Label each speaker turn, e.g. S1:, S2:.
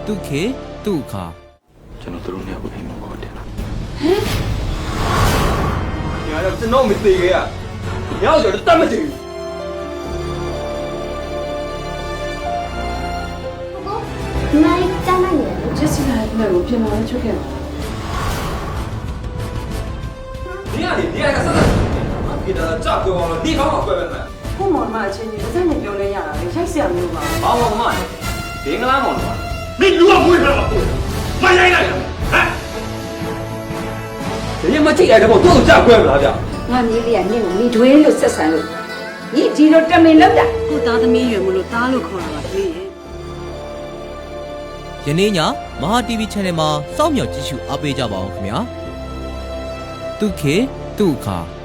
S1: သူခေသူအခါ
S2: ကျွန်တော်တို့နှစ်ယောက်ကိုအိမ်မှာခေါ်တယ်
S3: ညာတော့ကျွန်တော်မသိခဲ့ရညောက်တော့တတ်မသိဘူး
S4: ဒီမှာတန်းနိုင်ရတယ်
S5: ဂျက်စီကာရဲ့ဘက်ကိုပြင်လာချုပ်ခဲ့ပါ
S3: 你看你还看啥子？给他炸锅了，你看我怪不怪？
S5: ခုမောင်မအချင်းကြီးတစ်စက်နဲ့ပြောလဲရတာလေရိုက်ဆရာမျိုးပါ
S3: 把我妈，别个拉我了吧？
S6: 你如果不会说我，妈来来了，哎，
S3: 人家妈进来的我都炸锅了，他讲。
S7: ငါမြေးလေးကနင့်ကိုမိထွေးလို့ဆက်ဆံလို့ညီဒီလိုတမင်လောက်တာ
S5: ကိုသားသမီးရွယ်မလို့တားလို့ခေါ်တာပါကလေးရဲ့
S1: ယနေ့ညမဟာ TV Channel မှာစောင့်မျှော်ကြည့်ရှုအားပေးကြပါအောင်ခင်ဗျာသူခေသူအခါ